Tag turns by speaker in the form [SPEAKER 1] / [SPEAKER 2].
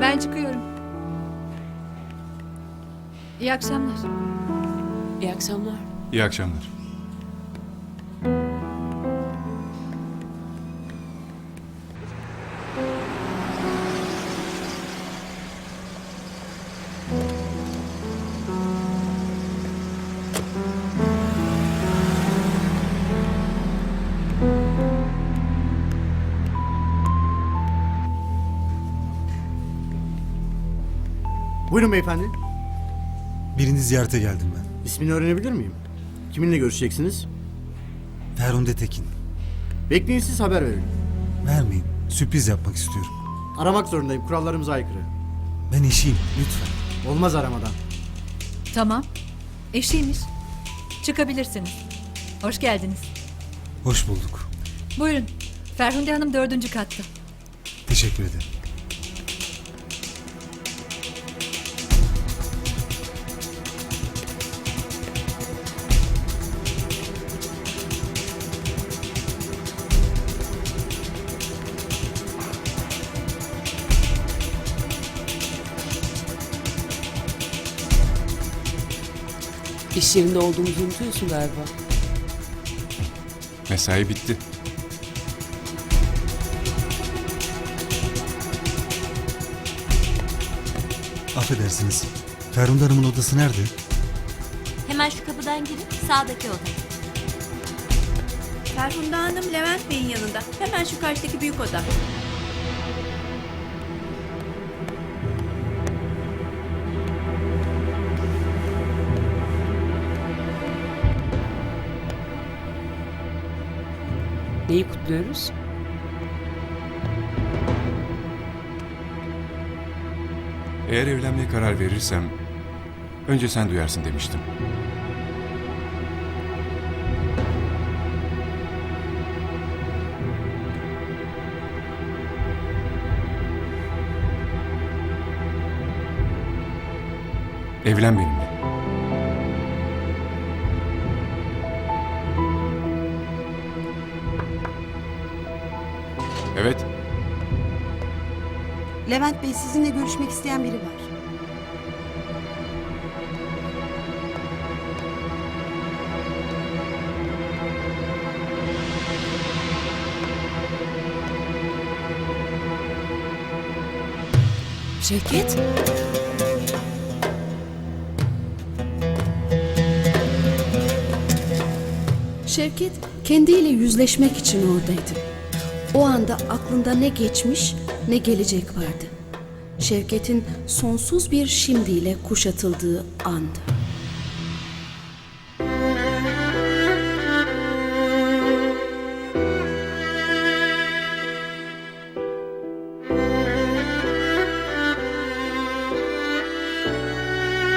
[SPEAKER 1] Ben çıkıyorum. İyi akşamlar.
[SPEAKER 2] İyi akşamlar.
[SPEAKER 3] İyi akşamlar.
[SPEAKER 4] Buyurun beyefendi.
[SPEAKER 5] Birini ziyarete geldim ben.
[SPEAKER 4] İsmini öğrenebilir miyim? Kiminle görüşeceksiniz?
[SPEAKER 5] Ferhunde Tekin.
[SPEAKER 4] Bekleyin, siz haber verin.
[SPEAKER 5] Vermeyin. Sürpriz yapmak istiyorum.
[SPEAKER 4] Aramak zorundayım. Kurallarımıza aykırı.
[SPEAKER 5] Ben eşiyim. Lütfen.
[SPEAKER 4] Olmaz aramadan.
[SPEAKER 1] Tamam. Eşiymiş. Çıkabilirsiniz. Hoş geldiniz.
[SPEAKER 5] Hoş bulduk.
[SPEAKER 1] Buyurun. Ferhunde Hanım 4. katta.
[SPEAKER 5] Teşekkür ederim.
[SPEAKER 2] İş yerinde olduğumuzu unutuyorsun galiba.
[SPEAKER 3] Mesai bitti.
[SPEAKER 5] Affedersiniz. Ferhunde Hanım'ın odası nerede?
[SPEAKER 6] Hemen şu kapıdan girin, sağdaki oda.
[SPEAKER 7] Ferhunde Hanım Levent Bey'in yanında. Hemen şu karşıdaki büyük oda.
[SPEAKER 2] Neyi kutluyoruz?
[SPEAKER 3] Eğer evlenmeye karar verirsem önce sen duyarsın demiştim. Evlen benimle. Evet.
[SPEAKER 8] Levent Bey, sizinle görüşmek isteyen biri var.
[SPEAKER 2] Şevket?
[SPEAKER 9] Şevket kendiyle yüzleşmek için oradaydı. O anda aklında ne geçmiş ne gelecek vardı. Şevket'in sonsuz bir şimdiyle kuşatıldığı andı.